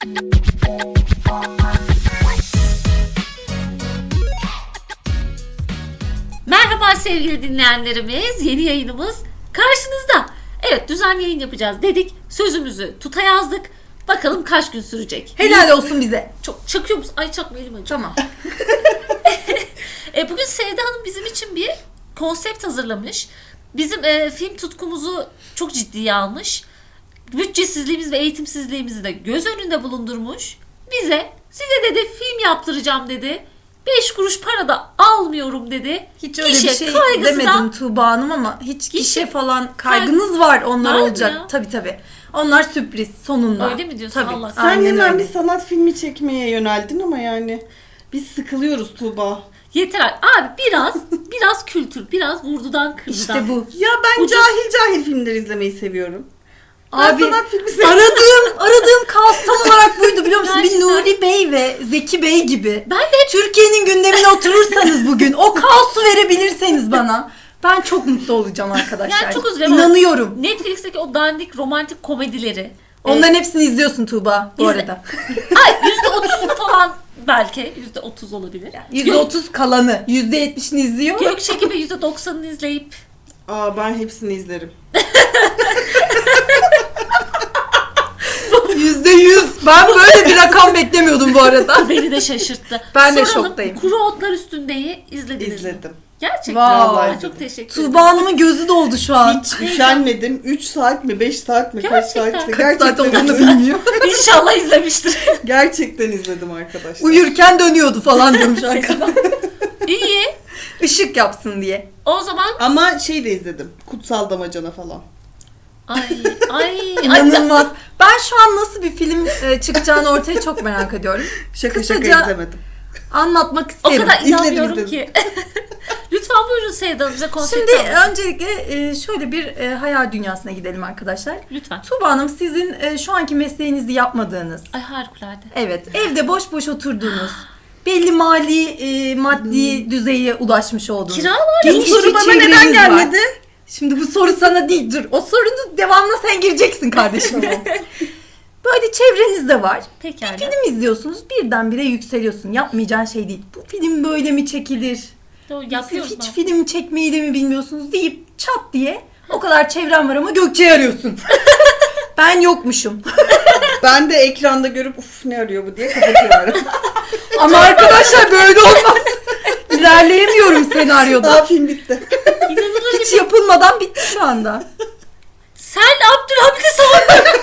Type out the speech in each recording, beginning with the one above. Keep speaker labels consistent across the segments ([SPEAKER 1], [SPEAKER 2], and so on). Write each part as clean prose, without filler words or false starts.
[SPEAKER 1] Merhaba sevgili dinleyenlerimiz, yeni yayınımız karşınızda. Evet, düzenli yayın yapacağız dedik, sözümüzü tuta yazdık. Bakalım kaç gün sürecek.
[SPEAKER 2] Helal olsun bize.
[SPEAKER 1] Çok çakıyor musun? Ay çakma, elim acıyor.
[SPEAKER 2] Tamam.
[SPEAKER 1] Bugün Sevda Hanım bizim için bir konsept hazırlamış. Bizim film tutkumuzu çok ciddiye almış. Bütçesizliğimiz ve eğitimsizliğimizi de göz önünde bulundurmuş. Size dedi film yaptıracağım dedi. 5 kuruş para da almıyorum dedi.
[SPEAKER 2] Hiç öyle bir şey
[SPEAKER 1] kaygısı
[SPEAKER 2] demedim Tuğba Hanım ama hiç
[SPEAKER 1] Gişe
[SPEAKER 2] gişe falan kaygınız var, onlar
[SPEAKER 1] Var mı
[SPEAKER 2] olacak.
[SPEAKER 1] ya?
[SPEAKER 2] Tabii. Onlar sürpriz sonunda.
[SPEAKER 1] Öyle mi diyorsun?
[SPEAKER 2] Tabii.
[SPEAKER 1] Allah
[SPEAKER 3] Sen
[SPEAKER 2] Aynen
[SPEAKER 3] hemen
[SPEAKER 2] öyle.
[SPEAKER 3] bir sanat filmi çekmeye yöneldin ama yani biz sıkılıyoruz Tuğba.
[SPEAKER 1] Yeter abi, biraz kültür, biraz vurdudan kırdıdan.
[SPEAKER 2] İşte bu.
[SPEAKER 3] Ya ben
[SPEAKER 1] Ucuz.
[SPEAKER 3] cahil filmler izlemeyi seviyorum.
[SPEAKER 2] Abi
[SPEAKER 3] Ben sanat filmi seviyorum.
[SPEAKER 2] aradığım kaos tam olarak buydu, biliyor musun?
[SPEAKER 1] Gerçekten.
[SPEAKER 2] Bir Nuri Bey ve Zeki Bey gibi.
[SPEAKER 1] Ben de
[SPEAKER 2] Türkiye'nin gündemine oturursanız bugün, o kaosu verebilirseniz bana, ben çok mutlu olacağım arkadaşlar.
[SPEAKER 1] Yani çok üzülüyorum.
[SPEAKER 2] İnanıyorum.
[SPEAKER 1] Netflix'teki o dandik romantik komedileri.
[SPEAKER 2] Onların hepsini izliyorsun Tuğba bu
[SPEAKER 1] İzle.
[SPEAKER 2] arada.
[SPEAKER 1] Ay %30'u falan belki. %30 olabilir.
[SPEAKER 2] %30 kalanı, %70'ini izliyor.
[SPEAKER 1] Gökçe gibi %90'ını izleyip
[SPEAKER 3] Aa, ben hepsini izlerim.
[SPEAKER 2] %100. Ben böyle bir rakam beklemiyordum bu arada.
[SPEAKER 1] beni de şaşırttı.
[SPEAKER 2] Ben de
[SPEAKER 1] Soralım,
[SPEAKER 2] şoktayım.
[SPEAKER 1] Kuru Otlar Üstünde'yi izlediniz mi?
[SPEAKER 3] İzledim.
[SPEAKER 1] Gerçekten.
[SPEAKER 2] Vay.
[SPEAKER 1] Ay, çok teşekkür ederim.
[SPEAKER 2] Tuğba Hanım'ın gözü doldu şu an.
[SPEAKER 3] Hiç üşenmedim. 3 saat mi 5 saat mi kaç
[SPEAKER 1] Gerçekten.
[SPEAKER 3] saat?
[SPEAKER 2] Kaç saat olduğunu
[SPEAKER 3] izledim.
[SPEAKER 2] bilmiyor.
[SPEAKER 1] İnşallah izlemiştir.
[SPEAKER 3] Gerçekten izledim arkadaşlar.
[SPEAKER 2] Uyurken dönüyordu falan diyormuş arkadan.
[SPEAKER 1] İyi.
[SPEAKER 2] Işık yapsın diye.
[SPEAKER 1] O zaman
[SPEAKER 3] Ama şey de izledim. Kutsal Damacana falan.
[SPEAKER 1] ay
[SPEAKER 2] İnanılmaz. Ben şu an nasıl bir film çıkacağını ortaya çok merak ediyorum.
[SPEAKER 3] Şaka
[SPEAKER 2] Kısaca
[SPEAKER 3] izlemedim.
[SPEAKER 2] Anlatmak
[SPEAKER 1] o
[SPEAKER 2] isterim.
[SPEAKER 1] kadar inanmıyorum
[SPEAKER 3] İzledim.
[SPEAKER 1] ki. Lütfen buyurun Sevda Hanım, bize konsept
[SPEAKER 2] Şimdi
[SPEAKER 1] anlatın.
[SPEAKER 2] öncelikle şöyle bir hayal dünyasına gidelim arkadaşlar.
[SPEAKER 1] Lütfen.
[SPEAKER 2] Tuğba Hanım, sizin şu anki mesleğinizi yapmadığınız,
[SPEAKER 1] Ay harikulade.
[SPEAKER 2] evet, evde boş boş oturduğunuz, belli maddi düzeye ulaşmış olduğunuz.
[SPEAKER 1] Kiralar
[SPEAKER 2] geniş
[SPEAKER 3] Bu soru
[SPEAKER 2] bir
[SPEAKER 3] bana neden
[SPEAKER 2] çevreniz var.
[SPEAKER 3] gelmedi?
[SPEAKER 2] Şimdi bu soru sana değil, dur. O sorunun devamına sen gireceksin kardeşim. Böyle çevreniz de var.
[SPEAKER 1] Pekala.
[SPEAKER 2] Bir film izliyorsunuz, birdenbire yükseliyorsun. Yapmayacağın şey değil. Bu film böyle mi çekilir?
[SPEAKER 1] Doğru,
[SPEAKER 2] Siz
[SPEAKER 1] yapıyoruz
[SPEAKER 2] hiç
[SPEAKER 1] mu?
[SPEAKER 2] film çekmeyi de mi bilmiyorsunuz deyip çat diye o kadar çevrem var ama Gökçe'yi arıyorsun. Ben yokmuşum.
[SPEAKER 3] Ben de ekranda görüp uf ne arıyor bu diye kapatıyorum.
[SPEAKER 2] Ama arkadaşlar böyle olmaz. İlerleyemiyorum senaryoda.
[SPEAKER 3] Daha film bitti.
[SPEAKER 1] İnanılır
[SPEAKER 2] Hiç
[SPEAKER 1] gibi.
[SPEAKER 2] yapılmadan bitti şu anda.
[SPEAKER 1] Sen Abdülhamid'i savundun.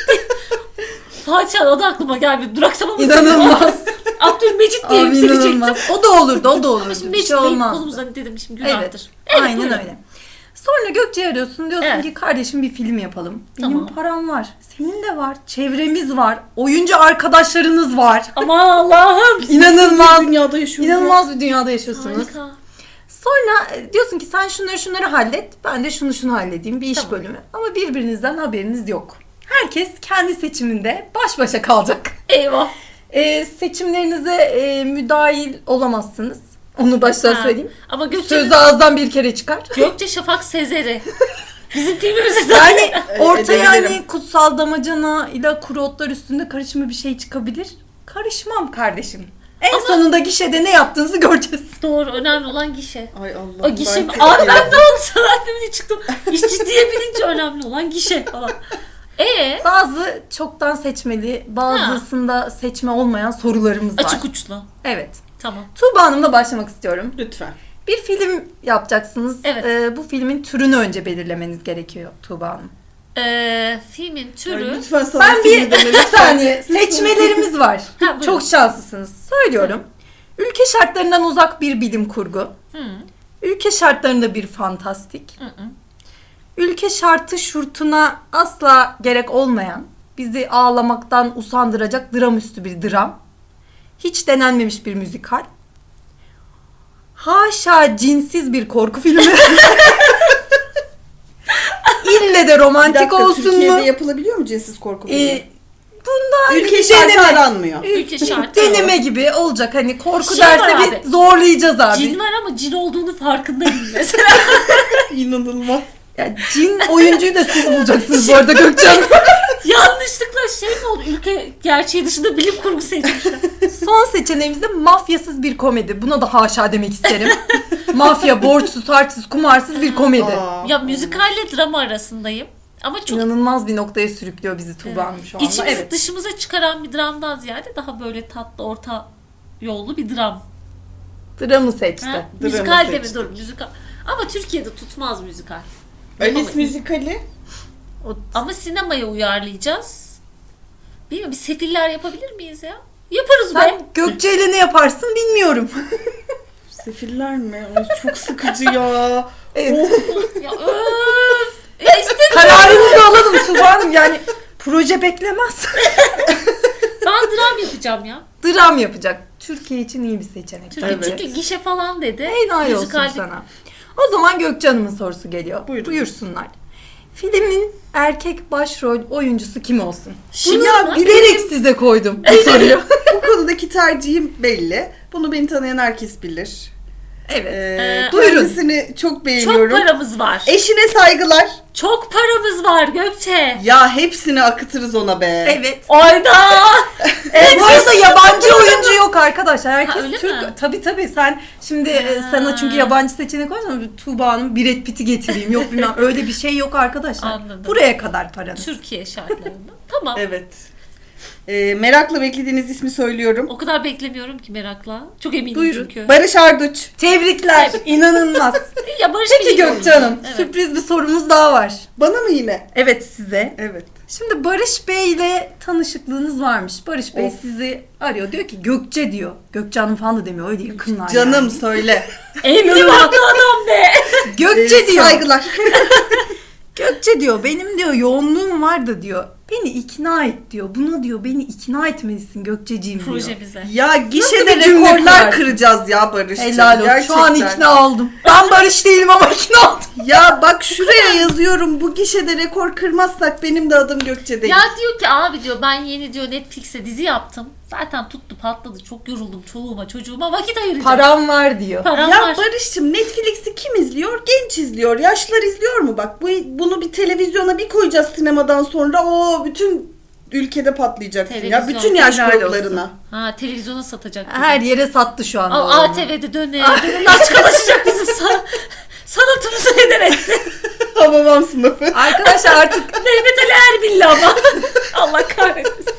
[SPEAKER 1] Fatih o da aklıma gelmedi. Duraksamamışsın.
[SPEAKER 2] İnanılmaz.
[SPEAKER 1] Abdülmecit diye
[SPEAKER 2] Abi
[SPEAKER 1] yükselecektim.
[SPEAKER 2] inanılmaz. O da olurdu, o da olurdu.
[SPEAKER 1] Ama şimdi
[SPEAKER 2] Bir
[SPEAKER 1] Mecit
[SPEAKER 2] şey
[SPEAKER 1] Bey
[SPEAKER 2] olmaz.
[SPEAKER 1] konumuzdan dedim şimdi günahtır.
[SPEAKER 2] Evet.
[SPEAKER 1] Evet,
[SPEAKER 2] Aynen
[SPEAKER 1] buyurun.
[SPEAKER 2] öyle. Sonra Gökçe'yi arıyorsun, diyorsun
[SPEAKER 1] Evet.
[SPEAKER 2] ki kardeşim bir film yapalım. Benim
[SPEAKER 1] Tamam.
[SPEAKER 2] param var. Senin de var. Çevremiz var. Oyuncu arkadaşlarınız var.
[SPEAKER 1] Aman Allah'ım.
[SPEAKER 2] İnanılmaz.
[SPEAKER 3] Bir dünyada yaşıyoruz.
[SPEAKER 2] İnanılmaz bir dünyada yaşıyorsunuz.
[SPEAKER 1] Harika.
[SPEAKER 2] Sonra diyorsun ki sen şunları hallet. Ben de şunu halledeyim. Bir iş
[SPEAKER 1] Tamam.
[SPEAKER 2] bölümü. Ama birbirinizden haberiniz yok. Herkes kendi seçiminde baş başa kalacak.
[SPEAKER 1] Eyvah.
[SPEAKER 2] Seçimlerinize müdahil olamazsınız. Onu baştan
[SPEAKER 1] Ha.
[SPEAKER 2] söyleyeyim.
[SPEAKER 1] Ama Gökçe'nin
[SPEAKER 2] Söz ağızdan bir kere çıkar.
[SPEAKER 1] Gökçe Şafak Sezer'i. Bizim filmimizde
[SPEAKER 2] Yani ortaya
[SPEAKER 3] edebilirim.
[SPEAKER 2] hani Kutsal Damacana ile Kuru Otlar Üstünde karışımı bir şey çıkabilir. Karışmam kardeşim. En
[SPEAKER 1] Ama-
[SPEAKER 2] sonunda gişede ne yaptığınızı göreceğiz.
[SPEAKER 1] doğru, önemli olan gişe.
[SPEAKER 3] Ay Allah.
[SPEAKER 1] O gişe mi? Abi ben ne oldu sanat filmine çıktım. İş ciddiye bilince önemli olan gişe falan.
[SPEAKER 2] Bazı çoktan seçmeli, bazısında seçme olmayan sorularımız var.
[SPEAKER 1] Açık uçlu.
[SPEAKER 2] Evet.
[SPEAKER 1] Tamam.
[SPEAKER 2] Tuğba Hanım'la başlamak istiyorum.
[SPEAKER 3] Lütfen.
[SPEAKER 2] Bir film yapacaksınız.
[SPEAKER 1] Evet.
[SPEAKER 2] Bu filmin türünü önce belirlemeniz gerekiyor Tuğba Hanım.
[SPEAKER 1] Filmin
[SPEAKER 3] Ay,
[SPEAKER 1] türü.
[SPEAKER 3] lütfen sana
[SPEAKER 2] Ben
[SPEAKER 3] filmi
[SPEAKER 2] bir saniye, seçmelerimiz var.
[SPEAKER 1] Ha, buyurun.
[SPEAKER 2] Çok şanslısınız. Söylüyorum. Ülke şartlarından uzak bir bilim kurgu.
[SPEAKER 1] Hı.
[SPEAKER 2] Ülke şartlarında bir fantastik.
[SPEAKER 1] Hı hı.
[SPEAKER 2] Ülke şartı şurtuna asla gerek olmayan, bizi ağlamaktan usandıracak dramüstü bir dram. Hiç denenmemiş bir müzikal. Haşa cinsiz bir korku filmi. İlle de
[SPEAKER 3] Bir
[SPEAKER 2] romantik
[SPEAKER 3] dakika,
[SPEAKER 2] olsun
[SPEAKER 3] Türkiye'de
[SPEAKER 2] mu?
[SPEAKER 3] yapılabiliyor mu cinsiz korku filmi?
[SPEAKER 2] Bunda
[SPEAKER 3] Ülke
[SPEAKER 2] bir
[SPEAKER 3] şartı
[SPEAKER 2] deneme.
[SPEAKER 3] aranmıyor.
[SPEAKER 1] Ülke şartı.
[SPEAKER 2] Deneme gibi olacak. Hani korku
[SPEAKER 1] Şey
[SPEAKER 2] derse
[SPEAKER 1] var
[SPEAKER 2] bir
[SPEAKER 1] abi.
[SPEAKER 2] zorlayacağız abi.
[SPEAKER 1] Cin var ama cin olduğunu farkındayım mesela.
[SPEAKER 3] İnanılmaz.
[SPEAKER 2] Ya cin oyuncuyu da siz bulacaksınız bu arada Gökçe Hanım.
[SPEAKER 1] Yanlışlıkla şey mi oldu? Ülke gerçeği dışında bilim kurgu seçmişler.
[SPEAKER 2] Son seçeneğimiz de mafyasız bir komedi. Buna da haşa demek isterim. Mafya, borçsuz, harçsız, kumarsız bir komedi.
[SPEAKER 3] Aa.
[SPEAKER 1] Ya müzikalle drama arasındayım. Ama çok
[SPEAKER 2] İnanılmaz bir noktaya sürüklüyor bizi Tuğba Hanım şu anda.
[SPEAKER 1] içimizi
[SPEAKER 2] Evet.
[SPEAKER 1] dışımıza çıkaran bir dramdan ziyade daha böyle tatlı orta yollu bir dram.
[SPEAKER 2] Dramı seçti.
[SPEAKER 1] Ha?
[SPEAKER 3] Dramı
[SPEAKER 1] Müzikal de mi?
[SPEAKER 3] seçtik.
[SPEAKER 1] Dur müzikal. Ama Türkiye'de tutmaz müzikal.
[SPEAKER 3] Alice
[SPEAKER 1] Yapamayız.
[SPEAKER 3] müzikali.
[SPEAKER 2] O-
[SPEAKER 1] Ama sinemaya uyarlayacağız. Bilmiyorum, bir sefiller yapabilir miyiz ya? Yaparız be.
[SPEAKER 2] Sen Gökçe ile ne yaparsın bilmiyorum.
[SPEAKER 3] Sefiller mi? Ay, çok sıkıcı ya.
[SPEAKER 2] Evet.
[SPEAKER 1] Ya öf. Ya istemiyorum.
[SPEAKER 2] Kararınızı alalım Tuğba Hanım. Yani proje beklemez.
[SPEAKER 1] Ben dram yapacağım ya.
[SPEAKER 2] Dram yapacak. Türkiye için iyi bir seçenek.
[SPEAKER 1] Türkiye
[SPEAKER 3] Evet.
[SPEAKER 1] çünkü gişe falan dedi.
[SPEAKER 2] Helal olsun
[SPEAKER 1] Müzikalde-
[SPEAKER 2] sana. O zaman Gökçe Hanım'ın sorusu geliyor.
[SPEAKER 3] Buyurun.
[SPEAKER 2] Buyursunlar. Filmin erkek başrol oyuncusu kim olsun?
[SPEAKER 1] Şimdi
[SPEAKER 2] Bunu
[SPEAKER 1] ya,
[SPEAKER 2] bilerek size koydum bu soruyu.
[SPEAKER 3] Bu konudaki tercihim belli. Bunu beni tanıyan herkes bilir.
[SPEAKER 2] Evet. Buyurun.
[SPEAKER 3] Kendisini çok
[SPEAKER 1] çok
[SPEAKER 3] beğeniyorum.
[SPEAKER 1] paramız var.
[SPEAKER 3] Eşine saygılar.
[SPEAKER 1] Çok paramız var Gökçe.
[SPEAKER 3] Ya hepsini akıtırız ona be.
[SPEAKER 2] Evet.
[SPEAKER 1] Ayda.
[SPEAKER 2] Bu arada yabancı oyuncu yok arkadaşlar. Herkes
[SPEAKER 1] Ha, öyle
[SPEAKER 2] Türk.
[SPEAKER 1] mi?
[SPEAKER 2] Tabii sen şimdi
[SPEAKER 1] Ha.
[SPEAKER 2] sana çünkü yabancı seçenek koysan Tuğba Hanım Brad Pitt'i getireyim. Yok bilmem öyle bir şey yok arkadaşlar.
[SPEAKER 1] Anladım.
[SPEAKER 2] Buraya kadar paranız.
[SPEAKER 1] Türkiye şartlarında. Tamam.
[SPEAKER 3] Evet. Merakla beklediğiniz ismi söylüyorum.
[SPEAKER 1] O kadar beklemiyorum ki merakla. Çok eminim
[SPEAKER 2] Buyurun.
[SPEAKER 1] çünkü.
[SPEAKER 3] Barış Arduç.
[SPEAKER 2] Tebrikler. İnanılmaz.
[SPEAKER 1] Ya Barış
[SPEAKER 2] Peki
[SPEAKER 1] biliyor
[SPEAKER 2] Gökçe
[SPEAKER 1] musun?
[SPEAKER 2] Hanım
[SPEAKER 1] Evet.
[SPEAKER 2] sürpriz bir sorumuz daha var.
[SPEAKER 3] Bana mı yine?
[SPEAKER 2] Evet size.
[SPEAKER 3] Evet.
[SPEAKER 2] Şimdi Barış Bey ile tanışıklığınız varmış. Barış Bey
[SPEAKER 3] Of.
[SPEAKER 2] sizi arıyor. Diyor ki Gökçe diyor. Gökçe Hanım falan da demiyor. Öyle yakınlar
[SPEAKER 3] Canım
[SPEAKER 2] yani.
[SPEAKER 3] söyle.
[SPEAKER 1] Evli barklı adam be.
[SPEAKER 2] Gökçe diyor.
[SPEAKER 3] Saygılar.
[SPEAKER 2] Gökçe diyor benim diyor yoğunluğum var da diyor. Beni ikna et diyor. Buna diyor beni ikna etmelisin Gökçeciğim diyor.
[SPEAKER 1] Projemize.
[SPEAKER 3] Ya
[SPEAKER 2] Nasıl
[SPEAKER 3] gişede
[SPEAKER 2] bir cümle
[SPEAKER 3] rekorlar
[SPEAKER 2] kurarsın?
[SPEAKER 3] kıracağız ya Barış'cığım.
[SPEAKER 2] Helal olsun.
[SPEAKER 3] Gerçekten.
[SPEAKER 2] Şu an ikna oldum. Ben Barış değilim ama ikna oldum.
[SPEAKER 3] Ya bak şuraya yazıyorum. Bu gişede rekor kırmazsak benim de adım Gökçe değil.
[SPEAKER 1] Ya diyor ki abi diyor ben yeni diyor Netflix'e dizi yaptım. Zaten tuttu patladı. Çok yoruldum çoluğuma çocuğuma vakit ayıracağım.
[SPEAKER 2] Param var diyor.
[SPEAKER 1] Param
[SPEAKER 3] Ya
[SPEAKER 1] var.
[SPEAKER 3] Barış'cığım Netflix'i kim izliyor? Genç izliyor. Yaşlılar izliyor mu? Bak bunu bir televizyona bir koyacağız sinemadan sonra. O bütün ülkede patlayacaksın ya.
[SPEAKER 1] Televizyon,
[SPEAKER 3] Bütün yaş
[SPEAKER 2] helal
[SPEAKER 3] gruplarına.
[SPEAKER 1] Ha televizyona satacak. bizi.
[SPEAKER 2] Her yere sattı şu anda.
[SPEAKER 1] Aa,
[SPEAKER 2] oğlum.
[SPEAKER 1] ATV'de döne. Aç kalaşacak bizim sanatımızı heder etti.
[SPEAKER 3] Hababam sınıfı.
[SPEAKER 2] Arkadaşlar artık
[SPEAKER 1] Mehmet Ali Erbil'li ama. Allah kahretsin.